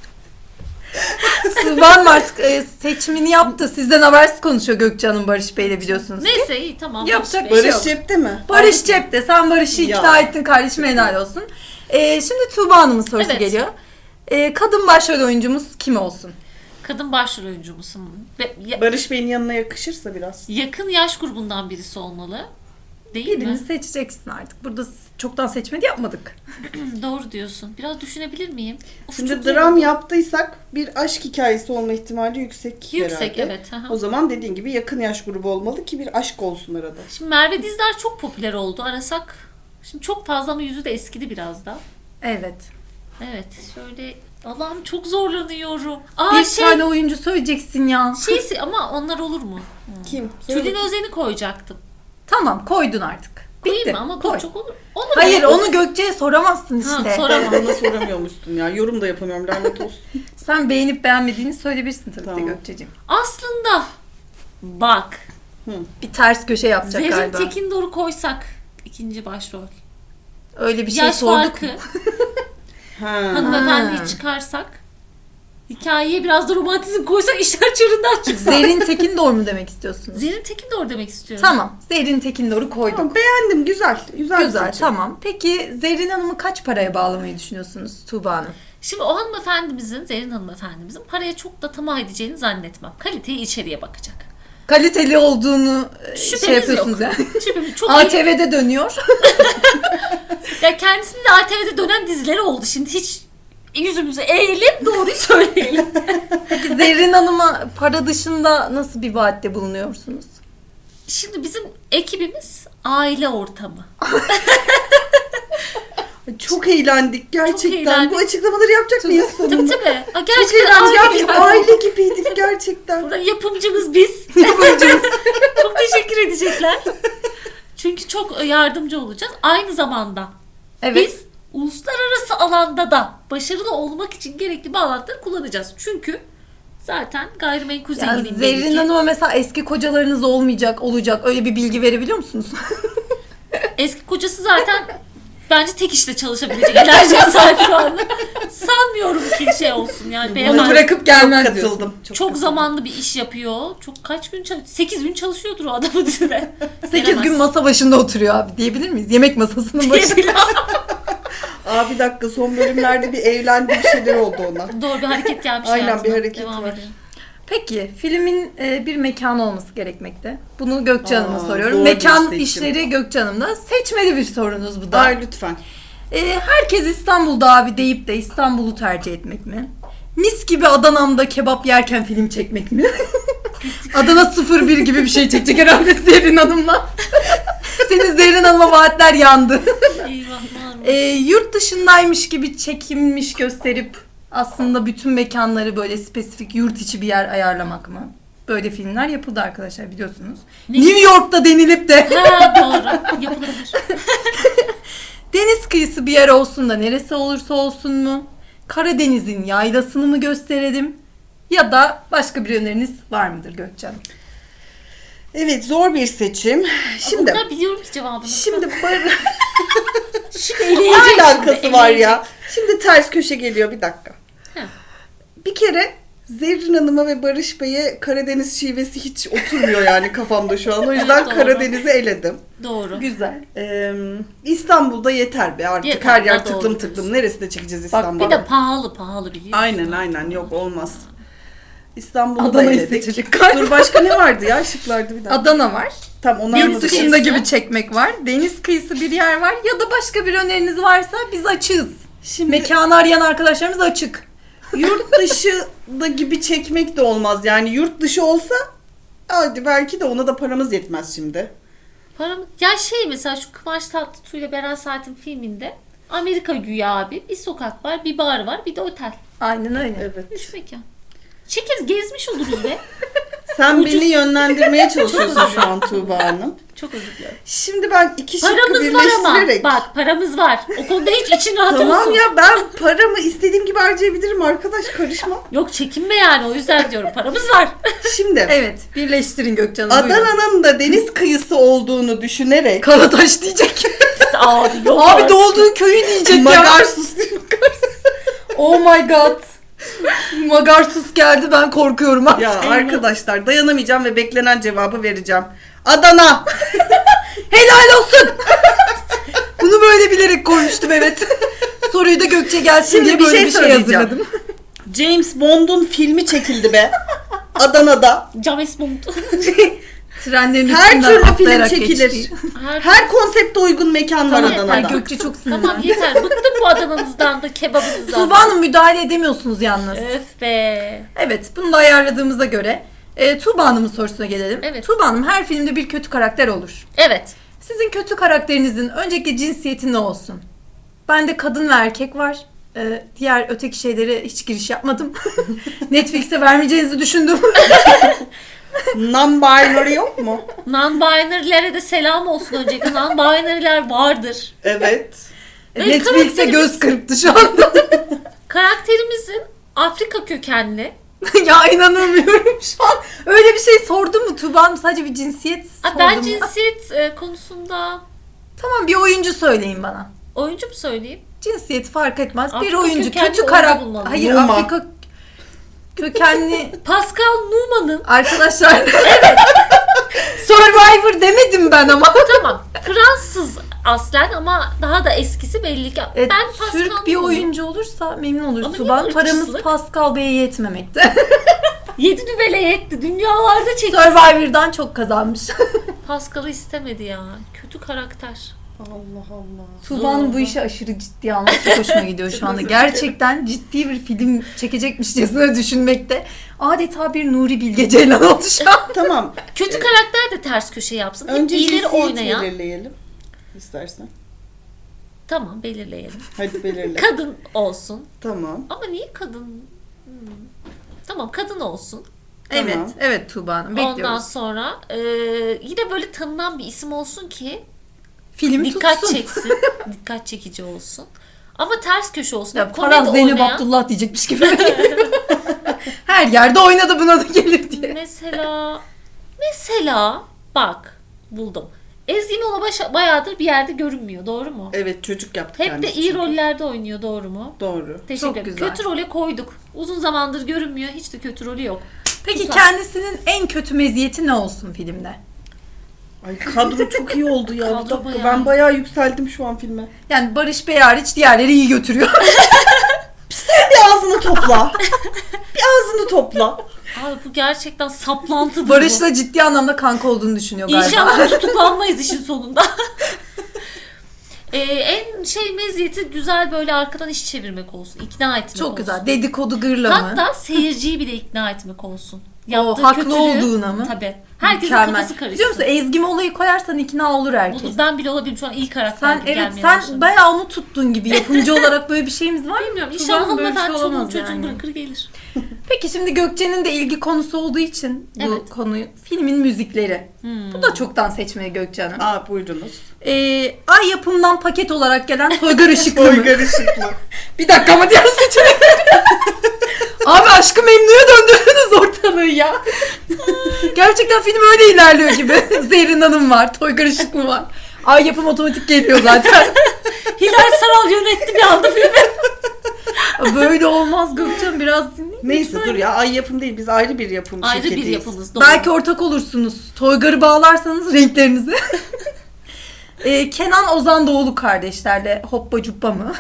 [SPEAKER 2] Sıvan artık seçimini yaptı. Sizden habersiz konuşuyor Gökçe Hanım Barış Bey'le biliyorsunuz ki.
[SPEAKER 1] Neyse iyi tamam.
[SPEAKER 2] Yapacak
[SPEAKER 1] Barış
[SPEAKER 2] bir şey
[SPEAKER 1] Bey.
[SPEAKER 2] yok.
[SPEAKER 3] Barış cepte mi?
[SPEAKER 2] Barış cepte. Sen Barış'ı
[SPEAKER 3] Ya.
[SPEAKER 2] ikna ettin kardeşim helal olsun. Şimdi Tuğba Hanım'ın sorusu
[SPEAKER 1] Evet.
[SPEAKER 2] geliyor. Kadın başrol oyuncumuz kim olsun?
[SPEAKER 1] Kadın başrol oyuncu musun?
[SPEAKER 3] Barış Bey'in yanına yakışırsa biraz.
[SPEAKER 1] Yakın yaş grubundan birisi olmalı. Değil
[SPEAKER 2] Birini
[SPEAKER 1] mi?
[SPEAKER 2] seçeceksin artık. Burada çoktan seçmedi yapmadık.
[SPEAKER 1] Doğru diyorsun. Biraz düşünebilir miyim? Of,
[SPEAKER 3] Şimdi
[SPEAKER 1] çok zor.
[SPEAKER 3] dram yaptıysak bir aşk hikayesi olma ihtimali yüksek
[SPEAKER 1] Yüksek
[SPEAKER 3] herhalde.
[SPEAKER 1] evet. Aha.
[SPEAKER 3] O zaman dediğin gibi yakın yaş grubu olmalı ki bir aşk olsun arada.
[SPEAKER 1] Şimdi Merve Dizdar çok popüler oldu. Arasak. Şimdi çok fazla ama yüzü de eskidi biraz da.
[SPEAKER 2] Evet.
[SPEAKER 1] Evet. Şöyle Allah'ım çok zorlanıyorum. Aa
[SPEAKER 2] Bir
[SPEAKER 1] şey
[SPEAKER 2] tane oyuncu söyleyeceksin ya.
[SPEAKER 1] şeysi ama onlar olur mu?
[SPEAKER 3] Kim?
[SPEAKER 1] Tülin Özen'i koyacaktım.
[SPEAKER 2] Tamam koydun artık.
[SPEAKER 1] Değil
[SPEAKER 2] Bitti.
[SPEAKER 1] mi? Ama
[SPEAKER 2] Koy.
[SPEAKER 1] çok olur. Olur
[SPEAKER 2] Hayır
[SPEAKER 1] mu?
[SPEAKER 2] onu Gökçe'ye soramazsın
[SPEAKER 1] Ha,
[SPEAKER 2] işte.
[SPEAKER 1] soramam.
[SPEAKER 3] Bana soramıyormuşsun ya. Yorum da yapamıyorum lanet olsun.
[SPEAKER 2] Sen beğenip beğenmediğini söyleyebilirsin tabii
[SPEAKER 3] Tamam.
[SPEAKER 2] de Gökçe'ciğim.
[SPEAKER 1] Aslında bak
[SPEAKER 2] Bir ters köşe yapacak
[SPEAKER 1] Zerrin
[SPEAKER 2] galiba.
[SPEAKER 1] Tekindor'u koysak ikinci başrol.
[SPEAKER 2] Öyle bir şey
[SPEAKER 1] Yaş
[SPEAKER 2] sorduk
[SPEAKER 1] farkı.
[SPEAKER 2] mu?
[SPEAKER 3] Ha.
[SPEAKER 1] Hanımefendiyi çıkarsak. Hikayeye biraz da romantizm koysak işler çığırından çıksa.
[SPEAKER 2] Zerrin Tekindor mu demek istiyorsunuz?
[SPEAKER 1] Zerrin Tekindor demek istiyorum.
[SPEAKER 2] Tamam. Zerrin Tekindor'u koyduk.
[SPEAKER 3] Tamam, beğendim. Güzel. Güzel.
[SPEAKER 2] Güzel
[SPEAKER 3] seçim.
[SPEAKER 2] tamam. Peki Zerrin Hanım'ı kaç paraya bağlamayı düşünüyorsunuz Tuğba Hanım?
[SPEAKER 1] Şimdi o hanımefendimizin, Zerrin hanımefendimizin paraya çok da tamah edeceğini zannetmem. Kaliteyi içeriye bakacak.
[SPEAKER 2] Kaliteli olduğunu
[SPEAKER 1] Şüphemiz
[SPEAKER 2] şey yapıyorsunuz
[SPEAKER 1] yok.
[SPEAKER 2] yani.
[SPEAKER 1] Şüphemiz çok iyi.
[SPEAKER 2] ATV'de dönüyor.
[SPEAKER 1] Ya kendisinin de ATV'de dönen dizileri oldu. Şimdi hiç yüzümüzü eğelim doğruyu söyleyelim.
[SPEAKER 2] Peki Zerrin Hanım'a para dışında nasıl bir vaatte bulunuyorsunuz?
[SPEAKER 1] Şimdi bizim ekibimiz aile ortamı.
[SPEAKER 3] Çok eğlendik gerçekten.
[SPEAKER 1] eğlendik.
[SPEAKER 3] Bu açıklamaları yapacak mıyız
[SPEAKER 1] Tabii
[SPEAKER 3] sonunda?
[SPEAKER 1] tabii. Aa,
[SPEAKER 3] Çok
[SPEAKER 1] gerçekten
[SPEAKER 3] eğlendik. Ya
[SPEAKER 1] aile
[SPEAKER 3] biz
[SPEAKER 1] gibi.
[SPEAKER 3] aile gibiydik gerçekten.
[SPEAKER 1] Burada yapımcımız biz. Çok teşekkür edecekler. Çünkü çok yardımcı olacağız. Aynı zamanda
[SPEAKER 2] Evet.
[SPEAKER 1] biz uluslararası alanda da başarılı olmak için gerekli bağlantıları kullanacağız. Çünkü zaten gayrimenkul
[SPEAKER 2] Yani
[SPEAKER 1] zenginliği belli
[SPEAKER 2] Zerrin
[SPEAKER 1] ki.
[SPEAKER 2] Hanım'a mesela eski kocalarınız olacak öyle bir bilgi verebiliyor musunuz?
[SPEAKER 1] Eski kocası zaten bence tek işte çalışabilecek enerjiye sahip şu anda. Sanmıyorum ki şey olsun yani.
[SPEAKER 2] Bunu
[SPEAKER 1] Beyefendi
[SPEAKER 2] bırakıp gelmez
[SPEAKER 3] Çok
[SPEAKER 2] diyorsun.
[SPEAKER 3] katıldım.
[SPEAKER 1] çok
[SPEAKER 3] katıldım.
[SPEAKER 1] zamanlı bir iş yapıyor. Çok kaç gün 8 gün çalışıyordur o adamın dizide.
[SPEAKER 2] 8 gün masa başında oturuyor abi diyebilir miyiz? Yemek masasının başında.
[SPEAKER 3] Aa bir dakika, son bölümlerde bir evlendi, bir şeyler oldu ona.
[SPEAKER 1] Doğru bir hareket gelmiş
[SPEAKER 3] Aynen,
[SPEAKER 1] hayatına.
[SPEAKER 3] bir hareket
[SPEAKER 1] Devam
[SPEAKER 3] var.
[SPEAKER 1] edelim.
[SPEAKER 2] Peki filmin bir mekanı olması gerekmekte. Bunu Gökçe Hanım'a soruyorum.
[SPEAKER 3] zor bir
[SPEAKER 2] Mekan
[SPEAKER 3] seçim.
[SPEAKER 2] işleri Gökçe Hanım'da. Seçmeli bir sorunuz bu da.
[SPEAKER 3] Ay lütfen.
[SPEAKER 2] Herkes İstanbul'da abi deyip de İstanbul'u tercih etmek mi? Mis gibi Adana'mda kebap yerken film çekmek mi? Adana 01 gibi bir şey çekecek herhalde Zerrin Hanım'la. Senin Zerrin Hanım'a vaatler yandı.
[SPEAKER 1] Eyvahlar.
[SPEAKER 2] Yurt dışındaymış gibi çekilmiş gösterip aslında bütün mekanları böyle spesifik yurt içi bir yer ayarlamak mı? Böyle filmler yapıldı arkadaşlar biliyorsunuz.
[SPEAKER 1] Ne?
[SPEAKER 2] New York'ta denilip de
[SPEAKER 1] Ha doğru. Yapılabilir.
[SPEAKER 2] deniz kıyısı bir yer olsun da neresi olursa olsun mu? Karadeniz'in yaylasını mı gösterelim? Ya da başka bir öneriniz var mıdır Gökçe Hanım?
[SPEAKER 3] Evet, zor bir seçim. Şimdi
[SPEAKER 1] Bunlar biliyorum ki cevabını.
[SPEAKER 3] şimdi
[SPEAKER 1] Şimdi
[SPEAKER 3] ne
[SPEAKER 1] eleyecek
[SPEAKER 3] alakası
[SPEAKER 1] şimdi,
[SPEAKER 3] var
[SPEAKER 1] eleyecek.
[SPEAKER 3] ya? Şimdi ters köşe geliyor, bir dakika.
[SPEAKER 1] Heh.
[SPEAKER 3] Bir kere Zerrin Hanım'a ve Barış Bey'e Karadeniz şivesi hiç oturmuyor yani kafamda şu an. O yüzden
[SPEAKER 1] Evet, doğru.
[SPEAKER 3] Karadeniz'i eledim.
[SPEAKER 1] Doğru.
[SPEAKER 2] Güzel.
[SPEAKER 3] İstanbul'da yeter be artık.
[SPEAKER 1] Yeter,
[SPEAKER 3] Her yer
[SPEAKER 1] doğru
[SPEAKER 3] tıklım
[SPEAKER 1] diyorsun.
[SPEAKER 3] tıklım. Neresinde çekeceğiz
[SPEAKER 2] Bak,
[SPEAKER 3] İstanbul'da?
[SPEAKER 1] Bir de pahalı biliyorsun.
[SPEAKER 3] Aynen yok, olmaz. İstanbul'u da
[SPEAKER 2] Adana'yı
[SPEAKER 3] eledik.
[SPEAKER 2] seçecek galiba.
[SPEAKER 3] Dur, başka ne vardı ya şıklarda, bir dakika.
[SPEAKER 2] Adana var.
[SPEAKER 3] Tamam, onu
[SPEAKER 2] Yurt
[SPEAKER 3] anladık.
[SPEAKER 2] dışında
[SPEAKER 1] Kıyısı.
[SPEAKER 2] gibi çekmek var. Deniz kıyısı bir yer var. Ya da başka bir öneriniz varsa biz açığız.
[SPEAKER 3] Şimdi
[SPEAKER 2] Mekanı arayan arkadaşlarımız açık.
[SPEAKER 3] yurt dışı da gibi çekmek de olmaz. Yani yurt dışı olsa hadi belki de, ona da paramız yetmez şimdi.
[SPEAKER 1] Ya şey mesela şu Kıvanç Tatlıtuğ ile Beren Saat'in filminde Amerika güya abi. Bir sokak var, bir bar var, bir de otel.
[SPEAKER 2] Aynen öyle.
[SPEAKER 3] Evet.
[SPEAKER 1] Üç mekan. Çekeriz, gezmiş oluruz be.
[SPEAKER 3] Sen
[SPEAKER 1] Ucuz.
[SPEAKER 3] beni yönlendirmeye çalışıyorsun şu an Tuğba Hanım.
[SPEAKER 1] Çok özür dilerim.
[SPEAKER 3] Şimdi ben iki şıkkı
[SPEAKER 1] Paramız var ama.
[SPEAKER 3] birleştirerek...
[SPEAKER 1] Bak paramız var. O konuda hiç için rahat
[SPEAKER 3] Tamam
[SPEAKER 1] olsun.
[SPEAKER 3] ya, ben paramı istediğim gibi harcayabilirim arkadaş, karışma.
[SPEAKER 1] Yok çekinme yani, o yüzden diyorum. Paramız var.
[SPEAKER 3] Şimdi
[SPEAKER 2] Evet, birleştirin Gökçe Hanım. buyurun.
[SPEAKER 3] Adana'nın da deniz kıyısı olduğunu düşünerek...
[SPEAKER 2] Karataş diyecek.
[SPEAKER 1] Abi yok
[SPEAKER 2] Abi
[SPEAKER 1] artık.
[SPEAKER 2] doğduğu köyü diyecek ya.
[SPEAKER 3] Magarsus değil mi?
[SPEAKER 2] Oh my god. Magarsus geldi, ben korkuyorum artık.
[SPEAKER 3] Ya arkadaşlar, dayanamayacağım ve beklenen cevabı vereceğim. Adana!
[SPEAKER 2] Helal olsun. Bunu böyle bilerek koymuştum, evet. Soruyu da Gökçe gelsin
[SPEAKER 3] Şimdi
[SPEAKER 2] diye
[SPEAKER 3] bir
[SPEAKER 2] böyle
[SPEAKER 3] şey
[SPEAKER 2] bir şey
[SPEAKER 3] söyleyeceğim.
[SPEAKER 2] hazırladım.
[SPEAKER 3] James Bond'un filmi çekildi be. Adana'da.
[SPEAKER 1] James Bond.
[SPEAKER 2] Trenlerin
[SPEAKER 3] Her
[SPEAKER 2] üstünden
[SPEAKER 3] türlü film
[SPEAKER 2] atlayarak
[SPEAKER 3] çekilir.
[SPEAKER 2] geçti.
[SPEAKER 3] Her konsepte uygun mekan var
[SPEAKER 1] Tamam,
[SPEAKER 3] Adana'da.
[SPEAKER 1] yeter.
[SPEAKER 2] Gökçe çok sinirlendi.
[SPEAKER 1] Tamam yeter. Bıktım bu Adana'nızdan da, kebabınızdan
[SPEAKER 2] Tuğba
[SPEAKER 1] da.
[SPEAKER 2] Hanım, müdahale edemiyorsunuz yalnız.
[SPEAKER 1] Öf be.
[SPEAKER 2] Evet, bunu da ayarladığımıza göre Tuğba Hanım'ın sorusuna gelelim.
[SPEAKER 1] Evet.
[SPEAKER 2] Tuğba Hanım, her filmde bir kötü karakter olur.
[SPEAKER 1] Evet.
[SPEAKER 2] Sizin kötü karakterinizin öncelikle cinsiyeti ne olsun? Bende kadın ve erkek var. Diğer öteki şeylere hiç giriş yapmadım. Netflix'e vermeyeceğinizi düşündüm.
[SPEAKER 3] Non-binary yok mu?
[SPEAKER 1] Non-binary'lere de selam olsun öncelikle. Non-binary'ler vardır.
[SPEAKER 3] Evet.
[SPEAKER 2] Netflix'e
[SPEAKER 1] karakterimiz-
[SPEAKER 2] göz kırptı şu anda.
[SPEAKER 1] Karakterimizin Afrika kökenli.
[SPEAKER 2] Ya inanamıyorum şu an. Öyle bir şey sordu mu Tuğba Hanım? Sadece bir cinsiyet sordu
[SPEAKER 1] Ben
[SPEAKER 2] mu?
[SPEAKER 1] cinsiyet konusunda
[SPEAKER 2] Tamam, bir oyuncu söyleyin bana.
[SPEAKER 1] oyuncu mu söyleyeyim?
[SPEAKER 2] Cinsiyeti fark etmez. Bir
[SPEAKER 1] Afrika
[SPEAKER 2] oyuncu
[SPEAKER 1] kökenli
[SPEAKER 2] kötü
[SPEAKER 1] oyuncu
[SPEAKER 2] karakter.
[SPEAKER 1] bulmalıyım.
[SPEAKER 2] Hayır,
[SPEAKER 3] Numa.
[SPEAKER 2] Afrika kökenli
[SPEAKER 1] Pascal Numa'nın
[SPEAKER 2] arkadaşlar. Survivor demedim ben ama.
[SPEAKER 1] tamam Fransız aslen ama daha da eskisi belli ki.
[SPEAKER 2] Evet,
[SPEAKER 1] Ben Pascal
[SPEAKER 2] Türk bir
[SPEAKER 1] Numa'nın
[SPEAKER 2] oyuncu olursa memnun oluruz
[SPEAKER 1] Ama
[SPEAKER 2] Tuğba.
[SPEAKER 1] niye
[SPEAKER 2] Paramız
[SPEAKER 1] ırkçılık?
[SPEAKER 2] Pascal Bey'e yetmemekte.
[SPEAKER 1] 7 düvele yetti. Dünyalarda çekti.
[SPEAKER 2] Survivor'dan çok kazanmış.
[SPEAKER 1] Pascal'ı istemedi ya. Kötü karakter.
[SPEAKER 3] Allah Allah.
[SPEAKER 2] Tuğba'nın bu işi aşırı ciddi alması çok hoşuma gidiyor şu anda. Gerçekten ciddi bir film çekecekmişçesine düşünmekte. Adeta bir Nuri Bilge Ceylan oldu şu an.
[SPEAKER 3] Tamam.
[SPEAKER 1] Kötü karakter de ters köşe yapsın. Hep
[SPEAKER 3] Önce
[SPEAKER 1] iyileri
[SPEAKER 3] cinsiyet
[SPEAKER 1] oynayan.
[SPEAKER 3] belirleyelim. İstersen.
[SPEAKER 1] Tamam belirleyelim.
[SPEAKER 3] Hadi belirle.
[SPEAKER 1] Kadın olsun.
[SPEAKER 3] Tamam.
[SPEAKER 1] Ama niye kadın? Tamam kadın olsun.
[SPEAKER 3] Tamam.
[SPEAKER 2] Evet, evet Tuğba Hanım,
[SPEAKER 1] Ondan
[SPEAKER 2] bekliyoruz.
[SPEAKER 1] sonra yine böyle tanınan bir isim olsun ki
[SPEAKER 2] Film
[SPEAKER 1] dikkat
[SPEAKER 2] tutsun.
[SPEAKER 1] çeksin. Dikkat çekici olsun. Ama ters köşe olsun.
[SPEAKER 2] Ya
[SPEAKER 1] Komedi
[SPEAKER 2] Faraz Zeynep
[SPEAKER 1] oynayan.
[SPEAKER 2] Abdullah diyecekmiş gibi. Her yerde oynadı, buna da gelir diye.
[SPEAKER 1] Mesela bak buldum. Ezgi Mola bayağıdır bir yerde görünmüyor. Doğru mu?
[SPEAKER 3] Evet, çocuk yaptık
[SPEAKER 1] Hep de
[SPEAKER 3] kendisi
[SPEAKER 1] iyi
[SPEAKER 3] çünkü.
[SPEAKER 1] rollerde oynuyor. Doğru mu?
[SPEAKER 3] Doğru.
[SPEAKER 1] Teşekkür
[SPEAKER 2] Çok
[SPEAKER 1] ederim.
[SPEAKER 2] güzel.
[SPEAKER 1] Kötü role koyduk. Uzun zamandır görünmüyor. Hiç de kötü rolü yok.
[SPEAKER 2] Peki
[SPEAKER 1] Güzel.
[SPEAKER 2] kendisinin en kötü meziyeti ne olsun filmde?
[SPEAKER 3] Ay kadro çok iyi oldu ya.
[SPEAKER 1] Kadro
[SPEAKER 3] Bir dakika,
[SPEAKER 1] bayağı
[SPEAKER 3] ben
[SPEAKER 1] iyi.
[SPEAKER 3] bayağı yükseldim şu an filme.
[SPEAKER 2] Yani Barış Bey hariç diğerleri iyi götürüyor.
[SPEAKER 3] Bir ağzını topla. Bir ağzını topla.
[SPEAKER 1] Abi bu gerçekten saplantıdır bu.
[SPEAKER 2] Barış'la ciddi anlamda kanka olduğunu düşünüyor galiba.
[SPEAKER 1] İnşallah tutuklanmayız işin sonunda. En meziyeti güzel böyle arkadan iş çevirmek olsun. İkna etmek
[SPEAKER 2] Çok
[SPEAKER 1] olsun.
[SPEAKER 2] güzel. Dedikodu gırla mı?
[SPEAKER 1] Hatta seyirciyi bile ikna etmek olsun.
[SPEAKER 2] O haklı olduğuna mı?
[SPEAKER 1] Tabii. Herkesin
[SPEAKER 2] Mükemmel.
[SPEAKER 1] kafası karışsın.
[SPEAKER 2] Biliyor musun, Ezgi Mola'yı koyarsan ikna olur herkes.
[SPEAKER 1] Olur. Ben bile olabilirim şu an iyi karakter
[SPEAKER 2] Sen
[SPEAKER 1] gibi
[SPEAKER 2] evet,
[SPEAKER 1] gelmeye
[SPEAKER 2] sen
[SPEAKER 1] başladı.
[SPEAKER 2] bayağı onu tuttun gibi, yapımcı olarak böyle bir şeyimiz var mı?
[SPEAKER 1] Bilmiyorum.
[SPEAKER 2] Tuğba,
[SPEAKER 1] İnşallah
[SPEAKER 2] böyle bir şey
[SPEAKER 1] hanımefendi çoluğun
[SPEAKER 2] olamaz
[SPEAKER 1] çocuğun
[SPEAKER 2] yani.
[SPEAKER 1] bırakır gelir.
[SPEAKER 2] Peki şimdi Gökçe'nin de ilgi konusu olduğu için bu
[SPEAKER 1] Evet.
[SPEAKER 2] konuyu, filmin müzikleri. Bu da çoktan seçmeye Gökçe Hanım.
[SPEAKER 3] Aa, buyurunuz.
[SPEAKER 2] Ay yapımdan paket olarak gelen Toygar Işıklı mı?
[SPEAKER 3] Toygar Işıklı.
[SPEAKER 2] Bir dakika ama diğer seçenekleri. Abi Aşk-ı Memnu'ya döndürdünüz ortalığı ya. Gerçekten film öyle ilerliyor gibi. Zerrin Hanım var, Toygar Işıklı var. Ay yapım otomatik geliyor zaten.
[SPEAKER 1] Hilal Saral yönetti bir anda filmi.
[SPEAKER 2] Böyle olmaz Gökçen, biraz dinleyin.
[SPEAKER 3] Neyse dur ya, ay yapım değil, biz ayrı bir yapım
[SPEAKER 1] Ayrı bir
[SPEAKER 3] şirketiyiz.
[SPEAKER 1] yapımız. Doğru.
[SPEAKER 2] Belki ortak olursunuz. Toygar'ı bağlarsanız renklerinizi. Kenan Ozan Doğulu kardeşlerle Hoppa Cuppa mı?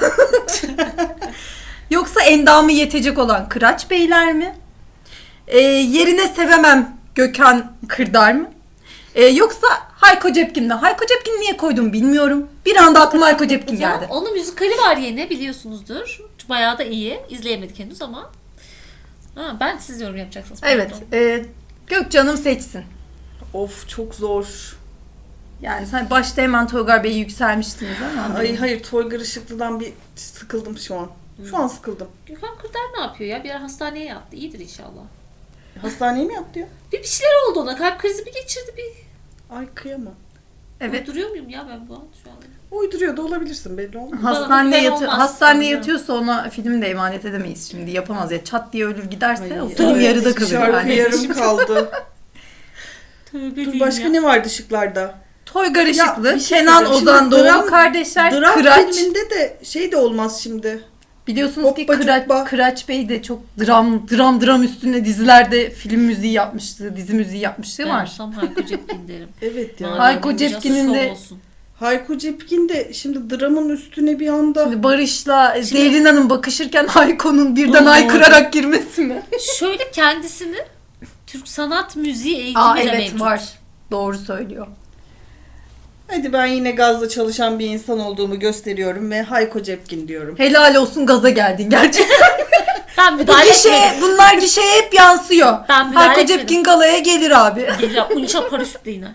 [SPEAKER 2] Yoksa endamı yetecek olan Kıraç Beyler mi? Yerine sevemem Gökhan Kırdar mı? Yoksa Hayko Cepkin mi? Hayko Cepkin niye koydum bilmiyorum. Bir anda aklıma Hayko Cepkin geldi.
[SPEAKER 1] Onun müzikali var yine biliyorsunuzdur. Bayağı da iyi. İzleyemedik henüz ama. Ha, ben siz yorum yapacaksınız.
[SPEAKER 2] Evet.
[SPEAKER 1] Pardon.
[SPEAKER 2] Gökçe Hanım seçsin.
[SPEAKER 3] Of, çok zor.
[SPEAKER 2] Yani sen başta hemen Toygar Bey'i yükselmiştiniz ama.
[SPEAKER 3] Ay hayır, Toygar Işıklı'dan bir sıkıldım şu an. Şu an sıkıldım.
[SPEAKER 1] Gökhan Kırdar ne yapıyor ya? Bir ara hastaneye yattı. İyidir inşallah.
[SPEAKER 3] Hastaneye mi yaptı ya?
[SPEAKER 1] Bir şeyler oldu ona. Kalp krizi mi geçirdi bir?
[SPEAKER 3] Ay kıyamam.
[SPEAKER 2] Evet.
[SPEAKER 1] Duruyor muyum ya ben bu an şu an?
[SPEAKER 3] Uyduruyor da olabilirsin, belli olmaz.
[SPEAKER 1] Bana olmaz.
[SPEAKER 2] Hastaneye
[SPEAKER 1] Bilmiyorum.
[SPEAKER 2] yatıyorsa ona film de emanet edemeyiz şimdi. Yapamaz ya. Çat diye ölür giderse
[SPEAKER 3] Ay,
[SPEAKER 2] o film
[SPEAKER 3] evet,
[SPEAKER 2] yarıda kalır
[SPEAKER 3] şarkı
[SPEAKER 2] yani.
[SPEAKER 3] yarım kaldı.
[SPEAKER 1] Tövbe
[SPEAKER 3] Dur, başka ne vardı şıklarda?
[SPEAKER 2] Toygar Işıklı,
[SPEAKER 3] Ya, bir şey
[SPEAKER 2] Kenan
[SPEAKER 3] söyleyeceğim.
[SPEAKER 2] Ozan
[SPEAKER 3] Şimdi
[SPEAKER 2] Doğulu
[SPEAKER 3] dram-
[SPEAKER 2] kardeşler,
[SPEAKER 3] Dram
[SPEAKER 2] Kıraç.
[SPEAKER 3] filminde de şey de olmaz şimdi.
[SPEAKER 2] Biliyorsunuz ki
[SPEAKER 3] Hoppa Cuppa.
[SPEAKER 2] Kıraç Bey de çok dram üstüne dizilerde film müziği yapmıştı, dizi müziği yapmıştı
[SPEAKER 1] Ben
[SPEAKER 2] var.
[SPEAKER 1] olsam Hayko Cepkin derim.
[SPEAKER 3] Evet ya.
[SPEAKER 1] Madem
[SPEAKER 2] Hayko
[SPEAKER 1] olacaksa
[SPEAKER 2] Cepkin'in de-
[SPEAKER 1] şov olsun.
[SPEAKER 3] Hayko Cepkin de şimdi dramın üstüne bir anda...
[SPEAKER 2] Şimdi Barış'la Zerrin Hanım bakışırken Hayko'nun birden
[SPEAKER 1] Oo.
[SPEAKER 2] haykırarak girmesi mi?
[SPEAKER 1] Şöyle kendisini Türk sanat müziği eğitimiyle
[SPEAKER 2] Evet
[SPEAKER 1] mevcut.
[SPEAKER 2] var. Doğru söylüyor.
[SPEAKER 3] Hadi ben yine gazla çalışan bir insan olduğumu gösteriyorum ve Hayko Cepkin diyorum.
[SPEAKER 2] Helal olsun, gaza geldin gerçekten.
[SPEAKER 1] Ben müdahale etmedim.
[SPEAKER 2] Bunlar gişeye hep yansıyor.
[SPEAKER 1] Ben müdahale
[SPEAKER 2] Hayko
[SPEAKER 1] etmedim.
[SPEAKER 2] Cepkin galaya gelir abi.
[SPEAKER 1] Gelir unça paraşütle iner.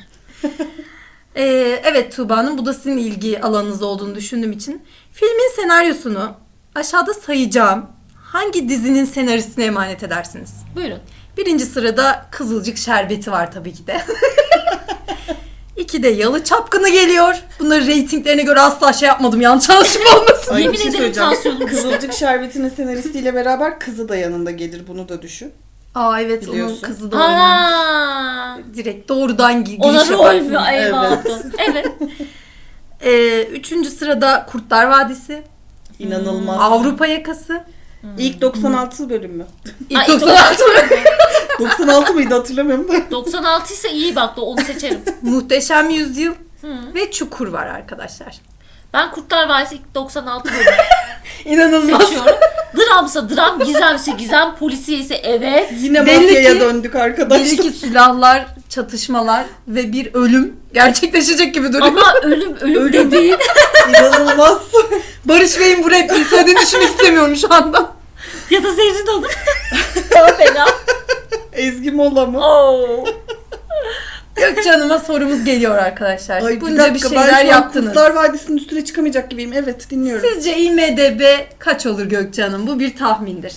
[SPEAKER 2] Evet Tuğba Hanım, bu da sizin ilgi alanınız olduğunu düşündüğüm için. Filmin senaryosunu aşağıda sayacağım hangi dizinin senaristine emanet edersiniz?
[SPEAKER 1] Buyurun.
[SPEAKER 2] Birinci sırada Kızılcık Şerbeti var tabii ki de. İkide Yalı Çapkını geliyor. Bunları reytinglerine göre asla şey yapmadım, yanlış anlaşılma olmasın.
[SPEAKER 3] Ay,
[SPEAKER 1] Yemin
[SPEAKER 3] bir şey
[SPEAKER 1] ederim
[SPEAKER 3] söyleyeceğim.
[SPEAKER 1] tansiyonum düştü.
[SPEAKER 3] Kızılcık Şerbeti'nin senaristiyle beraber kızı da yanında gelir, bunu da düşün.
[SPEAKER 2] Aa evet,
[SPEAKER 3] Biliyorsun.
[SPEAKER 2] onun kızı da oynuyor.
[SPEAKER 1] Aa,
[SPEAKER 2] Direkt doğrudan
[SPEAKER 1] ona
[SPEAKER 2] giriş
[SPEAKER 1] rol
[SPEAKER 2] yapar.
[SPEAKER 1] mü? Eyvallah. Evet.
[SPEAKER 2] Üçüncü sırada Kurtlar Vadisi.
[SPEAKER 3] İnanılmaz.
[SPEAKER 2] Avrupa Yakası.
[SPEAKER 3] İlk 96 bölüm mü?
[SPEAKER 2] İlk
[SPEAKER 1] Ay,
[SPEAKER 2] 96
[SPEAKER 3] 96 mıydı hatırlamıyorum da.
[SPEAKER 1] 96 ise iyi bak da onu seçerim.
[SPEAKER 2] Muhteşem Yüzyıl ve Çukur var arkadaşlar.
[SPEAKER 1] Ben Kurtlar Vadisi ilk 96 bölüm
[SPEAKER 2] İnanılmaz.
[SPEAKER 1] seçiyorum. Dramsa dram, gizemse gizem, polisiye ise evet.
[SPEAKER 3] Yine
[SPEAKER 2] Belli
[SPEAKER 3] mafyaya
[SPEAKER 2] ki-
[SPEAKER 3] döndük arkadaşlar.
[SPEAKER 2] Belli ki silahlar, çatışmalar ve bir ölüm gerçekleşecek gibi duruyor.
[SPEAKER 1] Ama ölüm dediğin.
[SPEAKER 3] İnanılmaz.
[SPEAKER 2] Barış Bey'in bu repliği söylediğini düşünmek istemiyorum şu anda.
[SPEAKER 1] Ya da Zerrin Hanım. Daha fena.
[SPEAKER 3] Ezgi Mola mı?
[SPEAKER 1] Oo.
[SPEAKER 2] Gökçe Hanım'a sorumuz geliyor arkadaşlar.
[SPEAKER 3] Ay,
[SPEAKER 2] Bunca bir
[SPEAKER 3] ben
[SPEAKER 2] şeyler
[SPEAKER 3] şu an
[SPEAKER 2] yaptınız.
[SPEAKER 3] Kurtlar Vadisi'nin üstüne çıkamayacak gibiyim. Evet, dinliyorum.
[SPEAKER 2] Sizce IMDB kaç olur Gökçe Hanım? Bu bir tahmindir.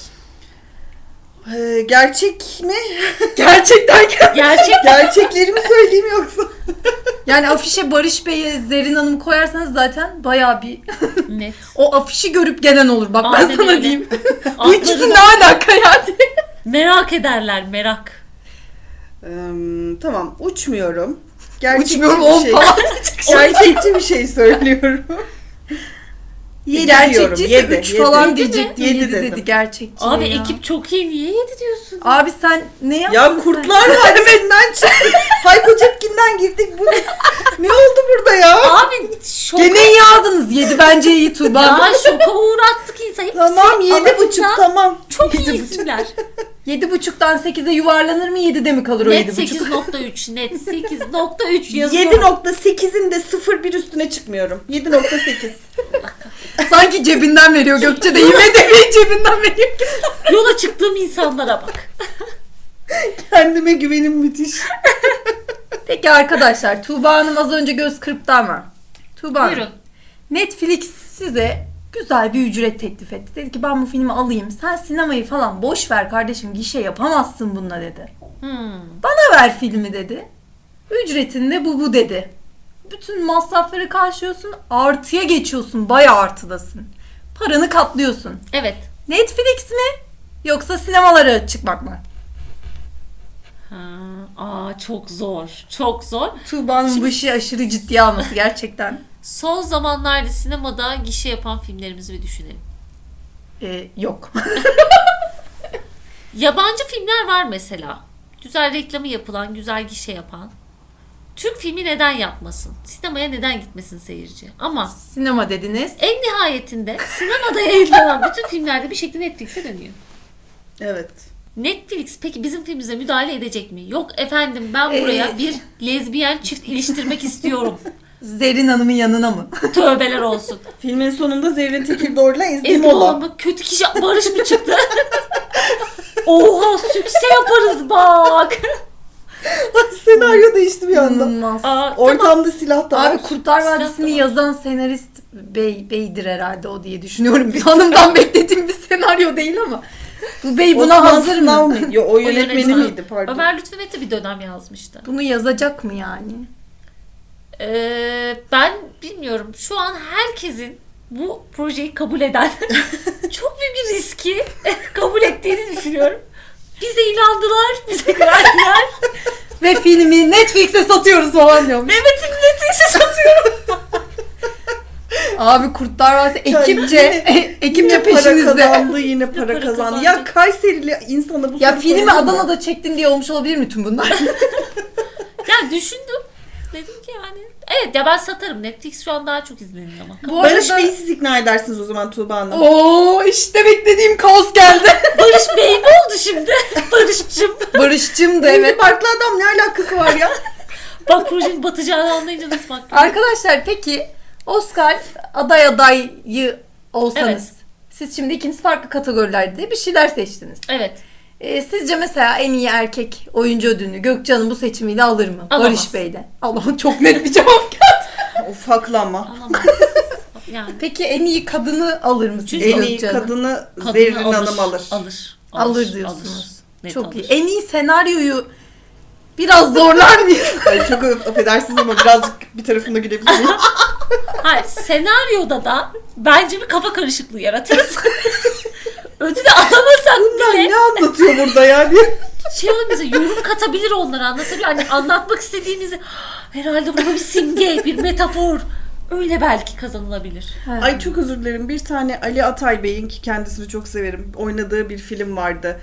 [SPEAKER 3] Gerçek mi?
[SPEAKER 2] Gerçekten
[SPEAKER 1] Gerçekten.
[SPEAKER 3] Gerçekleri mi söyleyeyim yoksa?
[SPEAKER 2] Yani afişe Barış Bey'e Zerrin Hanım'ı koyarsanız zaten bayağı bir
[SPEAKER 1] Net.
[SPEAKER 2] o afişi görüp gelen olur. Bak ben
[SPEAKER 1] Aynen
[SPEAKER 2] sana
[SPEAKER 1] öyle.
[SPEAKER 2] diyeyim. Bu
[SPEAKER 1] Altlarına-
[SPEAKER 2] ikisi ne alaka yani?
[SPEAKER 1] Merak ederler, merak.
[SPEAKER 3] Tamam, uçmuyorum. Gerçekçi
[SPEAKER 2] Uçmuyorum
[SPEAKER 3] bir
[SPEAKER 2] 10
[SPEAKER 3] şey.
[SPEAKER 2] falan.
[SPEAKER 3] Gerçekçi bir şey söylüyorum. 7 diyorum.
[SPEAKER 2] Gerçekçiyse 3 falan
[SPEAKER 1] Yedi mi?
[SPEAKER 2] diyecektim.
[SPEAKER 3] Yedi
[SPEAKER 2] 7
[SPEAKER 3] dedim.
[SPEAKER 2] dedi gerçekçi.
[SPEAKER 1] Abi
[SPEAKER 2] ya.
[SPEAKER 1] ekip çok iyi, niye 7 diyorsun?
[SPEAKER 2] Abi sen ne yaptın
[SPEAKER 3] Ya
[SPEAKER 2] sen?
[SPEAKER 3] Kurtlar Vadisi'nden çıktık. Hayko Cepkin'den girdik. Bu ne oldu burada ya?
[SPEAKER 1] Abi şoka,
[SPEAKER 2] Gene iyi aldınız. 7 bence iyi Tuğba.
[SPEAKER 1] ya şoka uğrattık insan. Hepsi
[SPEAKER 3] Tamam 7,5
[SPEAKER 1] alanında
[SPEAKER 3] tamam.
[SPEAKER 1] Çok iyi
[SPEAKER 3] 7,5.
[SPEAKER 1] isimler.
[SPEAKER 2] 7,5'dan 8'e yuvarlanır mı? 7'de mi kalır o
[SPEAKER 1] Net
[SPEAKER 2] 7,5?
[SPEAKER 1] 8.3, net 8.3 yazıyor.
[SPEAKER 3] 7,8'in de 0,1 üstüne çıkmıyorum. 7,8.
[SPEAKER 2] Sanki cebinden veriyor. Gökçe de IMDb'yi cebinden veriyor.
[SPEAKER 1] Yola çıktığım insanlara bak.
[SPEAKER 3] Kendime güvenim müthiş.
[SPEAKER 2] Peki arkadaşlar Tuğba Hanım az önce göz kırptı ama. Tuğba Hanım,
[SPEAKER 1] Buyurun.
[SPEAKER 2] Netflix size güzel bir ücret teklif etti. Dedi ki ben bu filmi alayım. Sen sinemayı falan boş ver kardeşim. Gişe yapamazsın bununla dedi. Bana ver filmi dedi. Ücretinde bu dedi. Bütün masrafları karşılıyorsun. Artıya geçiyorsun. Bayağı artıdasın. Paranı katlıyorsun.
[SPEAKER 1] Evet.
[SPEAKER 2] Netflix mi? Yoksa sinemalara çıkmak mı?
[SPEAKER 1] Çok zor. Çok zor.
[SPEAKER 2] Tuğba'nın bu işi aşırı ciddiye alması gerçekten.
[SPEAKER 1] Son zamanlarda sinemada gişe yapan filmlerimizi bir düşünelim.
[SPEAKER 2] Yok.
[SPEAKER 1] Yabancı filmler var mesela. Güzel reklamı yapılan, güzel gişe yapan. Türk filmi neden yapmasın? Sinemaya neden gitmesin seyirci? Ama
[SPEAKER 2] Sinema dediniz.
[SPEAKER 1] en nihayetinde sinemada yayınlanan bütün filmlerde bir şekilde Netflix'e dönüyor.
[SPEAKER 3] Evet.
[SPEAKER 1] Netflix peki bizim filmimize müdahale edecek mi? Yok efendim ben buraya bir lezbiyen çift iliştirmek istiyorum.
[SPEAKER 2] Zerrin Hanım'ın yanına mı?
[SPEAKER 1] Tövbeler olsun.
[SPEAKER 3] Filmin sonunda Zerrin Tekirdor'la Ezgi
[SPEAKER 1] Ezgi
[SPEAKER 3] Mola.
[SPEAKER 1] mı? Kötü kişi Barış mı çıktı? Oha sükse yaparız bak.
[SPEAKER 3] Senaryo değişti bir anda.
[SPEAKER 2] İnanılmaz.
[SPEAKER 1] Tamam.
[SPEAKER 3] Ortamda silah da var.
[SPEAKER 2] Abi Kurtlar
[SPEAKER 1] Silah
[SPEAKER 2] Vadisi'ni
[SPEAKER 1] da var.
[SPEAKER 2] yazan senarist beydir herhalde o diye düşünüyorum. Bir hanımdan beklediğim bir senaryo değil ama. Bu bey buna
[SPEAKER 3] Osman
[SPEAKER 2] hazır
[SPEAKER 3] Sınav
[SPEAKER 2] mı?
[SPEAKER 3] mıydı? Yo, o yönetmeni
[SPEAKER 1] yönetmen.
[SPEAKER 3] miydi pardon.
[SPEAKER 1] Ömer Lütfü Mete bir dönem yazmıştı.
[SPEAKER 2] Bunu yazacak mı yani?
[SPEAKER 1] Ben bilmiyorum. Şu an herkesin bu projeyi kabul eden çok büyük bir riski kabul ettiğini düşünüyorum. Bize inandılar, bize güvendiler.
[SPEAKER 2] Ve filmi Netflix'e satıyoruz falan diyormuş.
[SPEAKER 1] Mehmet'in Netflix'e satıyorum.
[SPEAKER 2] Abi Kurtlar Vadisi
[SPEAKER 3] Ya
[SPEAKER 2] ekipçe
[SPEAKER 3] Yine para
[SPEAKER 2] peşinizde.
[SPEAKER 3] kazandı, yine para
[SPEAKER 1] para
[SPEAKER 3] kazandı.
[SPEAKER 1] kazandı.
[SPEAKER 3] Ya Kayserili insana bu
[SPEAKER 2] Ya
[SPEAKER 3] soru
[SPEAKER 2] filmi
[SPEAKER 3] sorulur mu?
[SPEAKER 2] Adana'da çektin diye olmuş olabilir mi tüm bunlar?
[SPEAKER 1] Ya düşündüm. Dedim ki yani. Evet ya ben satarım. Netflix şu an daha çok izleniyor ama.
[SPEAKER 2] Bu
[SPEAKER 3] Barış
[SPEAKER 2] arada-
[SPEAKER 3] Bey'i siz ikna edersiniz o zaman Tuğba Hanım.
[SPEAKER 2] Oo işte beklediğim kaos geldi.
[SPEAKER 1] Barış Bey mi oldu şimdi? Barış'cığım.
[SPEAKER 2] Barış'cım da
[SPEAKER 3] Evet.
[SPEAKER 2] evet.
[SPEAKER 3] Farklı adam ne alakası var ya?
[SPEAKER 1] Bak projenin batacağını anlayınca nasıl baktım.
[SPEAKER 2] Arkadaşlar peki Oscar adayı olsanız
[SPEAKER 1] Evet.
[SPEAKER 2] siz şimdi ikiniz farklı kategorilerde bir şeyler seçtiniz.
[SPEAKER 1] Evet.
[SPEAKER 2] Sizce mesela en iyi erkek oyuncu ödülünü Gökçe Hanım bu seçimiyle alır mı?
[SPEAKER 1] Alamaz.
[SPEAKER 2] Barış Bey de. Allah'ım çok net bir cevap geldi.
[SPEAKER 3] Ufaklama.
[SPEAKER 1] Alamaz. Yani.
[SPEAKER 2] Peki en iyi kadını alır mı sizce
[SPEAKER 3] En iyi
[SPEAKER 2] Gökçe Hanım?
[SPEAKER 3] kadını
[SPEAKER 1] Kadını
[SPEAKER 3] Zerrin Hanım alır.
[SPEAKER 1] Alır
[SPEAKER 2] diyorsunuz.
[SPEAKER 1] Net
[SPEAKER 2] Çok
[SPEAKER 1] alır.
[SPEAKER 2] iyi. En iyi senaryoyu biraz zorlar mıyız?
[SPEAKER 3] Ay çok affedersiniz ama birazcık bir tarafında gülebilir miyim?
[SPEAKER 1] Hayır, senaryoda da bence bir kafa karışıklığı yaratırız. Ödülü alamasak
[SPEAKER 3] Bunlar
[SPEAKER 1] bile
[SPEAKER 3] ne anlatıyor burada yani?
[SPEAKER 1] şey olur bize yorum katabilir onlara anlatabilir. Hani anlatmak istediğimizi herhalde burada bir simge, bir metafor. Öyle belki kazanılabilir.
[SPEAKER 3] Ay çok özür dilerim. Bir tane Ali Atay Bey'in ki kendisini çok severim. Oynadığı bir film vardı.